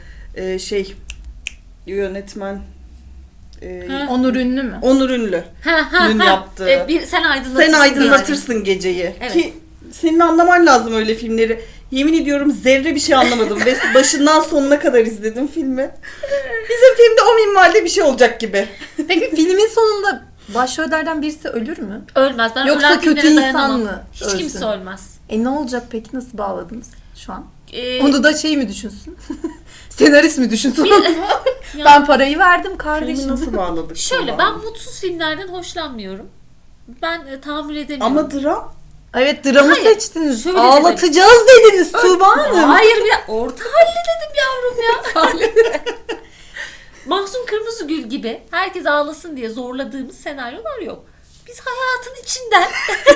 [SPEAKER 3] Yönetmen
[SPEAKER 2] Onur Ünlü mü?
[SPEAKER 3] Onur Ünlü. Dün yaptığı.
[SPEAKER 1] Sen aydınlatırsın.
[SPEAKER 3] Sen aydınlatırsın geceyi.
[SPEAKER 1] Evet.
[SPEAKER 3] Ki senin anlaman lazım öyle filmleri. Yemin ediyorum zerre bir şey anlamadım. Ve başından sonuna kadar izledim filmi. Bizim filmde o minvalde bir şey olacak gibi.
[SPEAKER 2] Peki filmin sonunda başrollerden birisi ölür mü?
[SPEAKER 1] Ölmez. Ben
[SPEAKER 2] Yoksa
[SPEAKER 1] ölen
[SPEAKER 2] kötü
[SPEAKER 1] filmlere
[SPEAKER 2] insan
[SPEAKER 1] dayanamam.
[SPEAKER 2] mı
[SPEAKER 1] Hiç
[SPEAKER 2] ölsün?
[SPEAKER 1] kimse ölmez.
[SPEAKER 2] Ne olacak peki? Nasıl bağladınız şu an?
[SPEAKER 1] Ee,
[SPEAKER 2] Onu da şey mi düşünsün? Senarist mi düşünsün?
[SPEAKER 1] ya-
[SPEAKER 2] Ben parayı verdim
[SPEAKER 3] Filmi
[SPEAKER 2] kardeşim.
[SPEAKER 3] nasıl bağladık?
[SPEAKER 1] Şöyle
[SPEAKER 3] Tuğba
[SPEAKER 1] ben
[SPEAKER 3] Hanım?
[SPEAKER 1] mutsuz filmlerden hoşlanmıyorum. Ben tahammül edemiyorum.
[SPEAKER 3] Ama dram.
[SPEAKER 2] Evet dramı
[SPEAKER 1] Hayır,
[SPEAKER 2] seçtiniz.
[SPEAKER 1] şöyle
[SPEAKER 2] Ağlatacağız dediniz Tuğba Hanım.
[SPEAKER 1] Hayır bir orta halli dedim yavrum ya. Mahsun Kırmızıgül gibi herkes ağlasın diye zorladığımız senaryolar yok. Biz hayatın içinden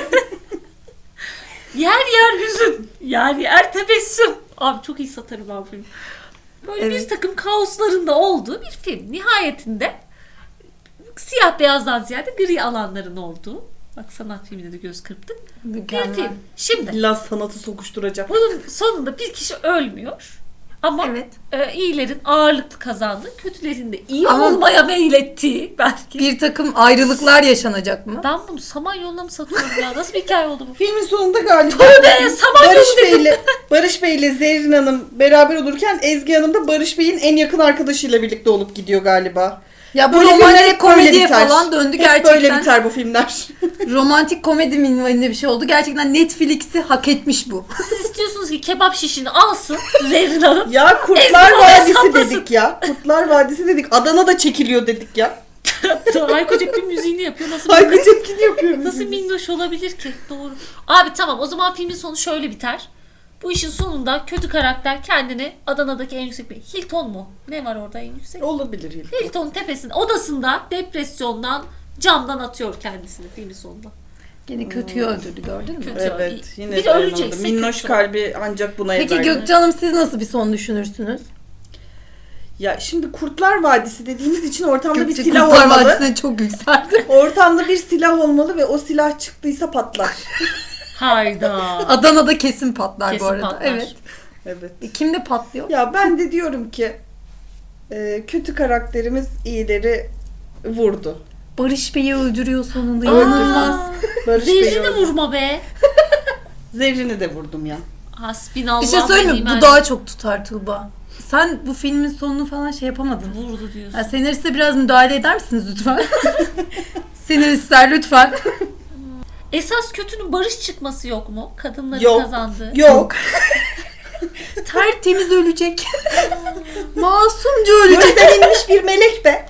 [SPEAKER 1] yer yer hüzün, yer yer tebessüm. Abi çok iyi satarım ben film. Böyle bir
[SPEAKER 2] Evet.
[SPEAKER 1] takım kaosların da olduğu bir film. Nihayetinde siyah beyazdan ziyade gri alanların olduğu. Bak sanat filmine de göz kırptık. Bir
[SPEAKER 2] Mükemmel.
[SPEAKER 1] film. Şimdi
[SPEAKER 3] İlla sanatı sokuşturacak.
[SPEAKER 1] bunun sonunda bir kişi ölmüyor. Ama
[SPEAKER 2] Evet.
[SPEAKER 1] iyilerin ağırlıklı kazandığı, kötülerin de iyi
[SPEAKER 2] Ama-
[SPEAKER 1] olmaya meylettiği belki.
[SPEAKER 2] Bir takım ayrılıklar yaşanacak mı?
[SPEAKER 1] Ben bunu Samanyolu'na mı satıyorum ya? Nasıl bir hikaye oldu bu?
[SPEAKER 3] Filmin sonunda galiba
[SPEAKER 1] Samanyolu
[SPEAKER 3] Barış Bey'le Zerrin Hanım beraber olurken Ezgi Hanım da Barış Bey'in en yakın arkadaşıyla birlikte olup gidiyor galiba.
[SPEAKER 2] Ya bu
[SPEAKER 3] Böyle filmler
[SPEAKER 2] romantik
[SPEAKER 3] hep böyle
[SPEAKER 2] komediye
[SPEAKER 3] biter.
[SPEAKER 2] falan döndü
[SPEAKER 3] Hep
[SPEAKER 2] gerçekten.
[SPEAKER 3] böyle biter bu filmler.
[SPEAKER 2] Romantik komedi minvalinde bir şey oldu. Gerçekten Netflix'i hak etmiş bu.
[SPEAKER 1] Siz istiyorsunuz ki kebap şişini alsın Zerrin Hanım.
[SPEAKER 3] Ya Kurtlar
[SPEAKER 1] Ezgi
[SPEAKER 3] Vadisi
[SPEAKER 1] saplasın.
[SPEAKER 3] dedik ya. Kurtlar Vadisi dedik. Adana'da çekiliyor dedik ya.
[SPEAKER 1] Hayko Cepkin müziğini yapıyor. Nasıl
[SPEAKER 3] Hayko Cepkin yapıyor.
[SPEAKER 1] Nasıl minnoş olabilir ki? Doğru. Abi tamam, o zaman filmin sonu şöyle biter. Bu işin sonunda kötü karakter kendini Adana'daki en yüksek bir Hilton mu? Ne var orada en yüksek?
[SPEAKER 3] Olabilir Hilton.
[SPEAKER 1] Hilton tepesinde odasında depresyondan camdan atıyor kendisini filmin sonunda.
[SPEAKER 2] Yine kötüyü öldürdü, gördün mü?
[SPEAKER 1] Kötü.
[SPEAKER 3] Evet. Yine
[SPEAKER 1] Bir de
[SPEAKER 3] dayanamadı.
[SPEAKER 1] ölecekse
[SPEAKER 3] Minnoş
[SPEAKER 1] kötü.
[SPEAKER 3] kalbi ancak buna
[SPEAKER 2] Peki
[SPEAKER 3] eder.
[SPEAKER 2] Gökçe Hanım, siz nasıl bir son düşünürsünüz?
[SPEAKER 3] Ya şimdi Kurtlar Vadisi dediğimiz için ortamda bir
[SPEAKER 2] Gökçe
[SPEAKER 3] silah
[SPEAKER 2] Kurtlar
[SPEAKER 3] olmalı.
[SPEAKER 2] Vadisi'ne çok yükseldi.
[SPEAKER 3] Ortamda bir silah olmalı ve o silah çıktıysa patlar.
[SPEAKER 1] Hayda.
[SPEAKER 2] Adana'da kesin patlar
[SPEAKER 1] Kesin
[SPEAKER 2] bu arada.
[SPEAKER 1] patlar.
[SPEAKER 2] Evet.
[SPEAKER 3] Evet.
[SPEAKER 2] Kimde patlıyor?
[SPEAKER 3] Ya ben de diyorum ki kötü karakterimiz iyileri vurdu.
[SPEAKER 2] Barış Bey'i öldürüyor sonunda.
[SPEAKER 1] Aa,
[SPEAKER 2] İnanılmaz.
[SPEAKER 3] Barış Bey'i
[SPEAKER 1] Zerrini
[SPEAKER 3] öldürdü.
[SPEAKER 1] vurma be.
[SPEAKER 3] Zerrini de vurdum ya.
[SPEAKER 1] Hasbinallah.
[SPEAKER 2] Bir şey söyleyeyim mi?
[SPEAKER 1] ve
[SPEAKER 2] Bu
[SPEAKER 1] ni'mel
[SPEAKER 2] daha çok tutar Tuğba. Sen bu filmin sonunu falan şey yapamadın.
[SPEAKER 1] vurdu diyorsun.
[SPEAKER 2] Ya senariste biraz müdahale eder misiniz lütfen? Senaristler lütfen.
[SPEAKER 1] Esas kötünün barış çıkması yok mu? Kadınların
[SPEAKER 3] Yok.
[SPEAKER 1] kazandığı.
[SPEAKER 3] Yok.
[SPEAKER 2] Tertemiz ölecek. Masumca ölecek.
[SPEAKER 3] Gökten inmiş bir melek be.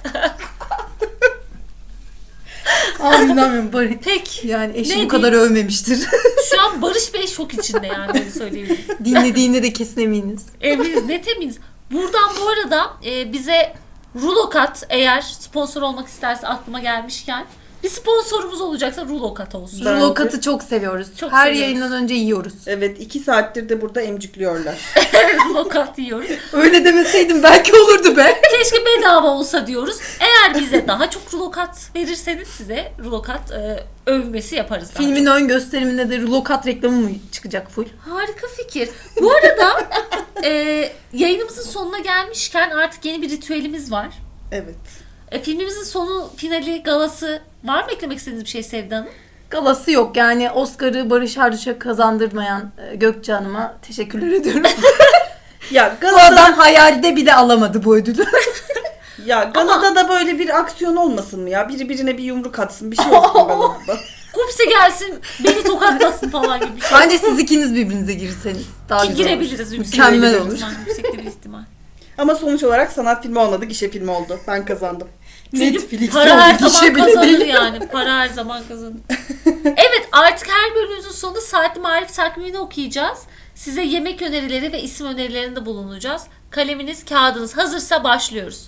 [SPEAKER 2] Abi inanmıyorum Barış.
[SPEAKER 1] Peki.
[SPEAKER 2] Yani eşi
[SPEAKER 1] Ne
[SPEAKER 2] bu kadar övmemiştir.
[SPEAKER 1] Şu an Barış Bey şok içinde yani, öyle söyleyebiliriz.
[SPEAKER 2] Dinlediğinde de kesin eminiz.
[SPEAKER 1] Eminiz, net eminiz. Buradan bu arada bize Rulokat, eğer sponsor olmak isterse, aklıma gelmişken, bir sponsorumuz olacaksa Rulokat olsun.
[SPEAKER 3] Ben-
[SPEAKER 2] Lokatı çok seviyoruz.
[SPEAKER 1] Çok
[SPEAKER 2] Her
[SPEAKER 1] seviyoruz.
[SPEAKER 2] yayından önce yiyoruz.
[SPEAKER 3] Evet 2 saattir de burada emcikliyorlar.
[SPEAKER 1] Rulokat yiyoruz.
[SPEAKER 2] Öyle demeseydim belki olurdu be.
[SPEAKER 1] Keşke bedava olsa diyoruz. Eğer bize daha çok Rulokat verirseniz size Rulokat övmesi yaparız. daha
[SPEAKER 2] Filmin ön gösteriminde de Lokat reklamı mı çıkacak full?
[SPEAKER 1] Harika fikir. Bu arada yayınımızın sonuna gelmişken artık yeni bir ritüelimiz var.
[SPEAKER 3] Evet.
[SPEAKER 1] Filmimizin sonu, finali, galası var mı eklemek istediğiniz bir şey Sevda Hanım?
[SPEAKER 2] Galası yok. Yani Oscar'ı Barış Arduç'a kazandırmayan Gökçe Hanım'a teşekkürler ediyorum.
[SPEAKER 3] Ya
[SPEAKER 2] Bu adam
[SPEAKER 3] Galada,
[SPEAKER 2] hayalde bile alamadı bu ödülü.
[SPEAKER 3] Galada da böyle bir aksiyon olmasın mı ya? Biri birine bir yumruk atsın, bir şey olsun Galada.
[SPEAKER 1] Kupse gelsin beni tokatlasın falan gibi bir şey.
[SPEAKER 2] Bence siz ikiniz birbirinize girseniz daha
[SPEAKER 1] Ki
[SPEAKER 2] güzel olur.
[SPEAKER 1] girebiliriz.
[SPEAKER 2] Mükemmel olur.
[SPEAKER 1] Yüksekte bir ihtimal.
[SPEAKER 3] Ama sonuç olarak sanat filmi olmadı, gişe filmi oldu. Ben kazandım.
[SPEAKER 1] Çünkü para her
[SPEAKER 2] oldu,
[SPEAKER 1] zaman
[SPEAKER 2] gişe bile
[SPEAKER 1] kazanır
[SPEAKER 2] değil.
[SPEAKER 1] yani. Para her zaman kazanır. Evet, artık her bölümümüzün sonunda Saatli Marif takvimini okuyacağız. Size yemek önerileri ve isim önerilerinde bulunacağız. Kaleminiz, kağıdınız hazırsa başlıyoruz.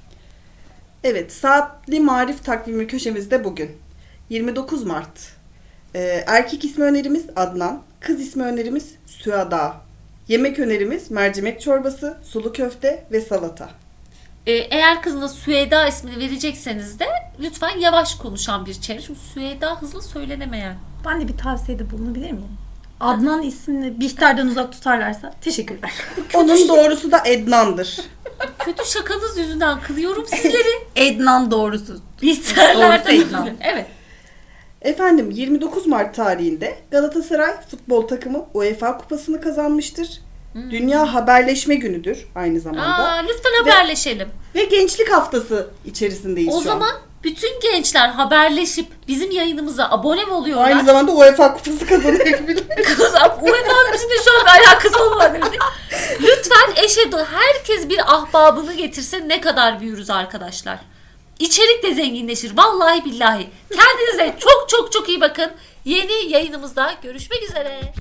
[SPEAKER 3] Evet, Saatli Marif takvimi köşemizde bugün. 29 Mart. Erkek ismi önerimiz Adnan. Kız ismi önerimiz Süada. Yemek önerimiz mercimek çorbası, sulu köfte ve salata.
[SPEAKER 1] Eğer kızına Süheyda ismini verecekseniz de lütfen yavaş konuşan bir çevre. Çünkü Süheyda hızlı söylenemeyen.
[SPEAKER 2] Ben de bir tavsiyede bulunabilir miyim? Adnan ismini Bihter'den uzak tutarlarsa teşekkürler.
[SPEAKER 3] Onun doğrusu da Ednan'dır.
[SPEAKER 1] Kötü şakanız yüzünden kınıyorum sizleri.
[SPEAKER 2] Ednan doğrusu.
[SPEAKER 1] Bihterlerden
[SPEAKER 2] Doğrusu Ednan.
[SPEAKER 1] özür dilerim. Evet.
[SPEAKER 3] Efendim 29 Mart tarihinde Galatasaray futbol takımı UEFA kupasını kazanmıştır. Dünya Haberleşme Günü'dür aynı zamanda.
[SPEAKER 1] Lütfen haberleşelim.
[SPEAKER 3] Ve Gençlik Haftası içerisindeyiz
[SPEAKER 1] O
[SPEAKER 3] şu
[SPEAKER 1] zaman bütün gençler haberleşip bizim yayınımıza abone mi
[SPEAKER 3] an.
[SPEAKER 1] oluyorlar?
[SPEAKER 3] Aynı zamanda UEFA kupası kazanabilir.
[SPEAKER 1] UEFA'nın bizimle şu an bir alakası olmadı. Lütfen herkes bir ahbabını getirse ne kadar büyürüz arkadaşlar. İçerik de zenginleşir. Vallahi billahi. Kendinize çok çok çok iyi bakın. Yeni yayınımızda görüşmek üzere.